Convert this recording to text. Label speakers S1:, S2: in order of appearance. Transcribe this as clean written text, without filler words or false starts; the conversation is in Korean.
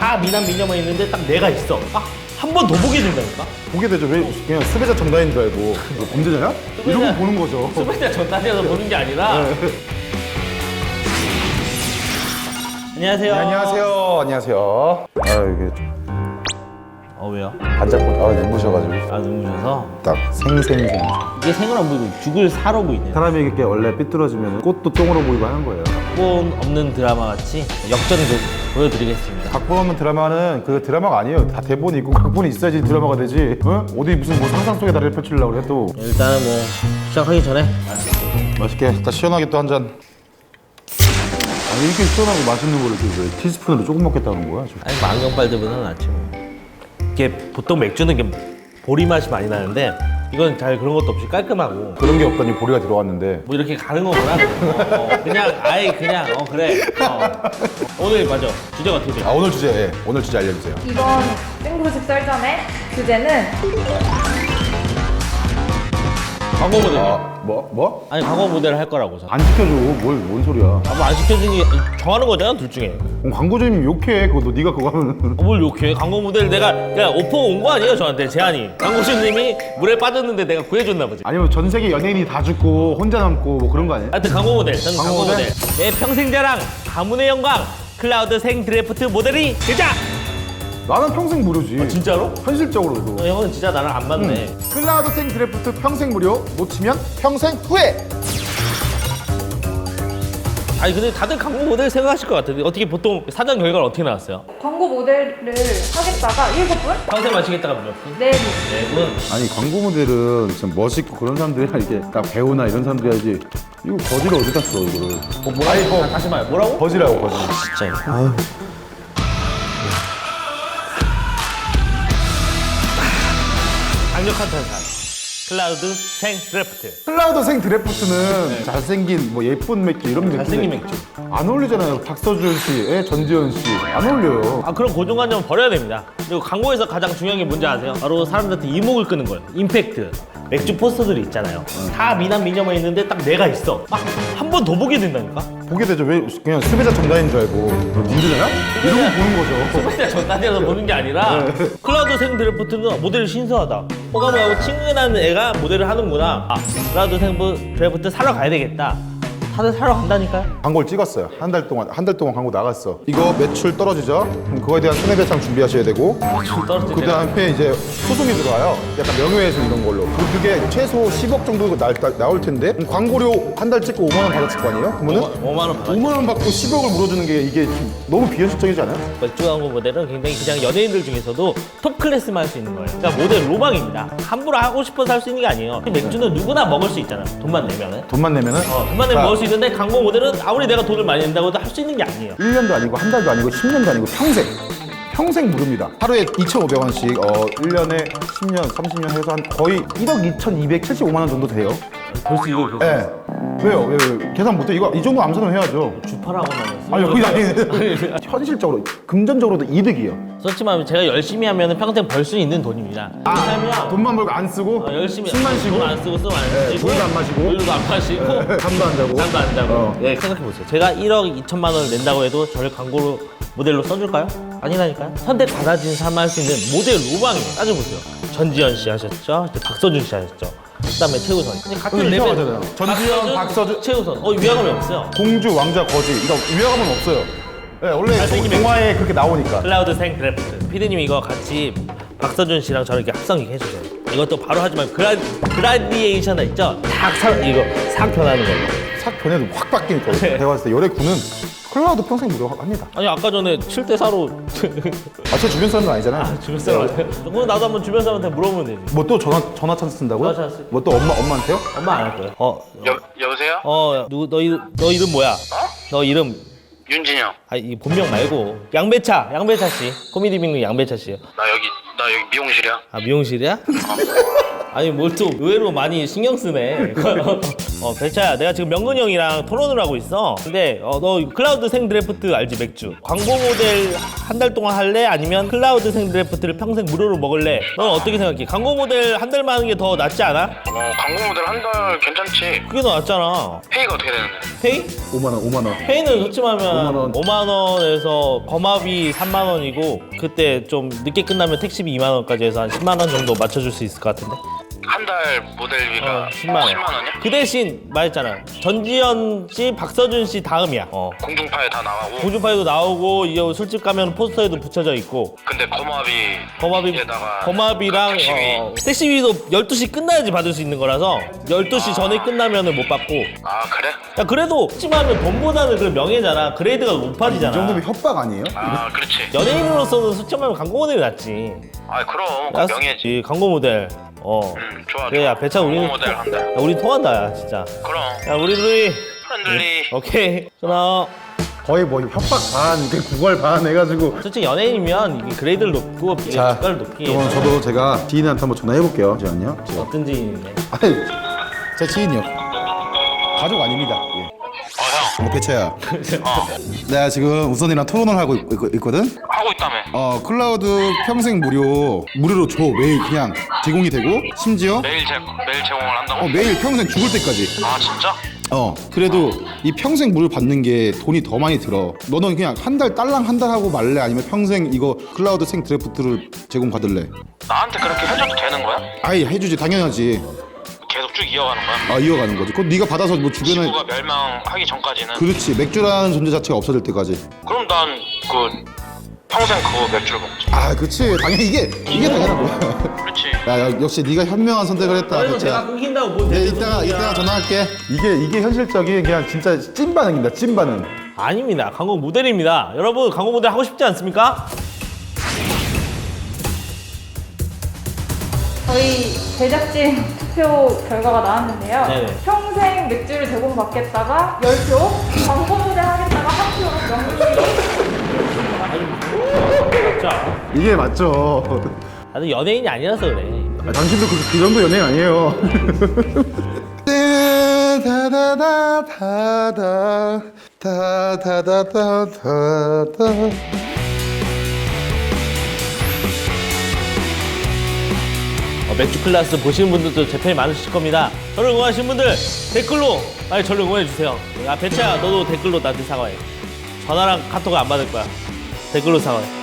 S1: 다 미남 미녀만 있는데 딱 내가 있어. 한 번 더 보게 된다니까?
S2: 보게 되죠. 왜 그냥 수배자 전단인 줄 알고 이거 범죄자냐? 이러고 보는 거죠.
S1: 수배자 전단이어서 보는 게 아니라. 안녕하세요.
S2: 네, 안녕하세요. 안녕하세요. 아 이게
S1: 왜요?
S2: 반짝고 눈부셔가지고
S1: 눈부셔서?
S2: 딱 생생생.
S1: 이게 생을 안 보이고 죽을 사러 보이네요.
S2: 사람이 이렇게 원래 삐뚤어지면 꽃도 똥으로 보이고 하는 거예요.
S1: 각본 없는 드라마 같이 역전을 보여드리겠습니다.
S2: 각본 없는 드라마는 그 드라마가 아니에요. 다 대본이 있고 각본이 있어야지 드라마가 되지. 어? 어디 무슨 뭐 상상 속의 나를 펼치려고 그래 또.
S1: 일단은 뭐 시작하기 전에
S2: 맛있게 딱 시원하게 또 한 잔. 아니 이렇게 시원하고 맛있는 거를 왜 티스푼으로 조금 먹겠다는 거야? 지금.
S1: 아니 뭐 안경빨들보다는 낫지 뭐. 이게 보통 맥주는 이게 보리 맛이 많이 나는데 이건 잘 그런 것도 없이 깔끔하고
S2: 그런 게 없더니 보리가 들어왔는데.
S1: 뭐 이렇게 가는 거구나. 그냥 아예 그냥 그래. 오늘 맞아. 주제가 어떻게 돼?
S2: 오늘 주제, 예. 오늘 주제 알려주세요.
S3: 이번 생부식 썰전의 주제는
S1: 광고 모델.
S2: 뭐?
S1: 아니 광고 모델을 할 거라고.
S2: 안 시켜줘. 뭔 소리야?
S1: 뭐 안 시켜주니 정하는 거잖아 둘 중에.
S2: 광고주님 욕해. 그거 네가 그거 하면.
S1: 뭘 욕해? 광고 모델 내가 오퍼 온 거 아니에요 저한테 제안이. 광고주님이 물에 빠졌는데 내가 구해줬나 보지.
S2: 아니면 전 세계 연예인이 다 죽고 혼자 남고 뭐 그런 거 아니에요?
S1: 하여튼 광고 모델. 저는 광고
S2: 광고
S1: 모델.
S2: 모델?
S1: 내 평생 자랑 가문의 영광 클라우드 생 드래프트 모델이 되자.
S2: 나는 평생 무료지.
S1: 진짜로?
S2: 현실적으로도.
S1: 형은 진짜 나랑 안 맞네.
S2: 클라우드 생 드래프트 평생 무료. 놓치면 평생 후회.
S1: 아니 근데 다들 광고 모델 생각하실 것 같은데 어떻게 보통 사전 결과는 어떻게 나왔어요?
S3: 광고 모델을 하겠다가 7분?
S1: 평생 마시겠다가 몇 분?
S3: 4분.
S1: 4분?
S2: 아니 광고 모델은 진짜 멋있고 그런 사람들이 이렇게 딱 배우나 이런 사람들이 해야지. 이거 거지를 어디다 써 이거를.
S1: 뭐라고? 다시 말해 뭐라고?
S2: 거지라고 거지.
S1: 진짜 강력한 탄산 클라우드 생 드래프트.
S2: 클라우드 생 드래프트는 잘생긴 뭐 예쁜 맥주 이런 맥주.
S1: 잘생긴 맥주.
S2: 안 어울리잖아요. 박서준 씨, 전지현 씨. 안 어울려요.
S1: 그런 고정관념은 버려야 됩니다. 그리고 광고에서 가장 중요한 게 뭔지 아세요? 바로 사람들한테 이목을 끄는 거예요. 임팩트. 맥주 포스터들이 있잖아요. 다 미남 미녀만 있는데 딱 내가 있어. 한 번 더 보게 된다니까?
S2: 보게 되죠. 왜 그냥 수배자 전단인 줄 알고. 문제잖아? 이러고 보는 거죠.
S1: 소비자 전단이라서 보는 게 아니라 클라우드 생 드래프트는 모델이 신선하다. 호감하고 친근한 애가 모델을 하는구나. 클라우드 생 드래프트 사러 가야 되겠다. 다들 사러 간다니까요?
S2: 광고를 찍었어요. 한 달 동안 광고 나갔어. 이거 매출 떨어지죠? 그럼 그거에 대한 손해배상 준비하셔야 되고.
S1: 떨어질
S2: 그 다음에 이제 소송이 들어와요. 약간 명예훼손 이런 걸로. 그게 최소 10억 정도 나올 텐데 그럼 광고료 한 달 찍고 5만 원 받았을 거 아니에요? 그러면은
S1: 5만 원 받아.
S2: 5만 원 받고 10억을 물어주는 게 이게 좀 너무 비현실적이지 않아요?
S1: 맥주 광고 모델은 굉장히 그냥 연예인들 중에서도 톱 클래스만 할 수 있는 거예요. 그러니까 모델 로망입니다. 함부로 하고 싶어서 할 수 있는 게 아니에요. 맥주는 누구나 먹을 수 있잖아. 돈만 내면은.
S2: 돈만 내면은?
S1: 돈만 내면 먹을 수 있는데 광고 모델은 아무리 내가 돈을 많이 낸다고 해도 할 수 있는 게 아니에요.
S2: 1년도 아니고 한 달도 아니고 10년도 아니고 평생 무료입니다. 하루에 2,500원씩 1년에 10년, 30년 해서 한 거의 1억 2,275만 원 정도 돼요.
S1: 벌써 이거
S2: 예. 왜요? 왜? 계산 못해? 이 정도 암산은 해야죠.
S1: 주파라고만 했어.
S2: 아니, 그게 아니 현실적으로, 금전적으로도 이득이에요.
S1: 솔직히 말하면 제가 열심히 하면 평생 벌 수 있는 돈입니다. 왜냐면
S2: 돈만 벌고 안 쓰고,
S1: 열심히
S2: 술만 쉬고,
S1: 돈 안 쓰고 술 안 쉬고
S2: 물도 안 마시고,
S1: 물도 안 마시고
S2: 잠도 안 자고.
S1: 잠도 안 자고.
S2: 어.
S1: 예, 생각해보세요. 제가 1억 2천만 원을 낸다고 해도 저를 광고로 모델로 써줄까요? 아니라니까요. 선택 받아진 사람 할 수 있는 모델 로망이에요. 따져보세요. 전지현 씨 하셨죠? 이제 박서준 씨 하셨죠? 그다음에 최우선. 근데 같은 레벨.
S2: 이상하잖아요. 전지현, 박서준.
S1: 최우선. 위화감이 없어요.
S2: 공주, 왕자, 거지. 이거 위화감은 없어요. 네, 원래
S1: 잘생긴
S2: 동화에 그렇게 나오니까.
S1: 클라우드 생 드래프트. 피디님 이거 같이 박서준 씨랑 저를 이렇게 합성 해주세요. 이것도 바로 하지만 그라디에이션 있죠? 이거 싹 변하는 걸로.
S2: 싹 변해도 확 바뀌니까. 제가 봤을 때 열애군은 클라우드 평생 무료 합니다.
S1: 아니 아까 전에 7대 4로
S2: 제 주변 사람은 아니잖아요.
S1: 주변 사람한테. 그럼 나도 한번 주변 사람한테 물어보면 되지.
S2: 뭐 또 전화 찬스 쓴다고요?
S1: 전화 찬스.
S2: 뭐 또 엄마한테요?
S1: 엄마 안 할 거예요.
S4: 여보세요?
S1: 너 이름 뭐야? 너 이름
S4: 윤진영.
S1: 이 본명 말고 양배차 씨. 코미디 빅리 양배차 씨요.
S4: 나 여기 미용실이야.
S1: 미용실이야? 아니 뭘 또 의외로 많이 신경 쓰네. 배차야, 내가 지금 명근이 형이랑 토론을 하고 있어. 근데 너 클라우드 생 드래프트 알지? 맥주. 광고 모델 한 달 동안 할래? 아니면 클라우드 생 드래프트를 평생 무료로 먹을래? 넌 어떻게 생각해? 광고 모델 한 달만 하는 게 더 낫지 않아?
S4: 광고 모델 한 달 괜찮지.
S1: 그게 더 낫잖아.
S4: 페이가 어떻게 되는데?
S1: 페이?
S2: 5만 원.
S1: 페이는 솔직히 말하면
S2: 5만
S1: 5만 원에서 거마비 3만 원이고 그때 좀 늦게 끝나면 택시비 2만 원까지 해서 한 10만 원 정도 맞춰줄 수 있을 것 같은데?
S4: 한 달 모델비가
S1: 10만 원.
S4: 10만 원이야?
S1: 그 대신 말했잖아. 전지현 씨, 박서준 씨 다음이야.
S4: 공중파에 다 나가고.
S1: 공중파에도 나오고 이 술집 가면 포스터에도 붙여져 있고
S4: 근데
S1: 거마비
S4: 거마비에다가
S1: 거마비랑
S4: 택시비.
S1: 택시비도 12시 끝나야지 받을 수 있는 거라서 12시 전에 끝나면은 못 받고.
S4: 아 그래?
S1: 야 그래도 찜하면 돈보다는 그 명예잖아. 그레이드가 높아지잖아.
S2: 이 정도면 협박 아니에요?
S4: 아 그렇지.
S1: 연예인으로서는 솔직히 말하면 광고 모델이 낫지.
S4: 아 그럼
S1: 야,
S4: 명예지.
S1: 이 광고 모델.
S4: 좋아.
S1: 그래, 야, 배차 우리는.
S4: 광고 모델 한 달.
S1: 야, 우리 통한다, 야, 진짜.
S4: 그럼
S1: 야, 우리 둘이.
S4: 프렌들리.
S1: 오케이. 전화.
S2: 거의 뭐 협박 반, 구걸 반 해가지고.
S1: 솔직히 연예인이면 이게 그레이드를 높고 이게
S2: 자,
S1: 주가를 높게.
S2: 그러면 저도 제가 지인한테 한번 전화해볼게요. 잠시만요.
S1: 어떤 지인인데?
S2: 아니, 제 지인이요. 가족 아닙니다. 예.
S4: 형.
S2: 배차야. 내가 지금 우선이랑 토론을 하고 있거든?
S4: 하고 있다며.
S2: 클라우드 평생 무료로 줘. 매일 그냥 제공이 되고, 심지어
S4: 매일 제공을 한다고?
S2: 매일 평생 죽을 때까지.
S4: 아 진짜?
S2: 그래도 이 평생 무료 받는 게 돈이 더 많이 들어. 너는 그냥 한 달 딸랑 한 달 하고 말래? 아니면 평생 이거 클라우드 생 드래프트를 제공 받을래?
S4: 나한테 그렇게 해줘도 되는 거야?
S2: 아이 해주지, 당연하지.
S4: 계속 쭉 이어가는 거야?
S2: 이어가는 거지. 그건 네가 받아서 뭐 주변에.
S4: 지구가 멸망하기 전까지는.
S2: 그렇지, 맥주라는 존재 자체가 없어질 때까지.
S4: 그럼 난 그 평생 그거 맥주를 먹지.
S2: 그렇지, 당연히 이게 당연한 거야.
S4: 그렇지.
S2: 야, 역시 네가 현명한 선택을 했다.
S1: 그래도
S2: 배차.
S1: 내가 끊긴다고 뭐.
S2: 네, 이따가 전화할게. 이게 현실적인 그냥 진짜 찐 반응입니다. 찐 반응.
S1: 아닙니다. 광고 모델입니다. 여러분, 광고 모델 하고 싶지 않습니까?
S3: 저희 제작진 투표 결과가 나왔는데요.
S1: 네네.
S3: 평생 맥주를 제공받겠다가 10표, 광고 모델 하겠다가 1표, 명분이
S1: 자,
S2: 이게 맞죠.
S1: 나도 연예인이 아니라서 그래.
S2: 당신도 그 정도 연예인 아니에요.
S1: 맥주 클래스 보시는 분들도 제 팬이 많으실 겁니다. 저를 응원하시는 분들 댓글로 빨리 저를 응원해 주세요. 야 배차야, 너도 댓글로 나한테 사과해. 전화랑 카톡을 안 받을 거야. 댓글로 사과해.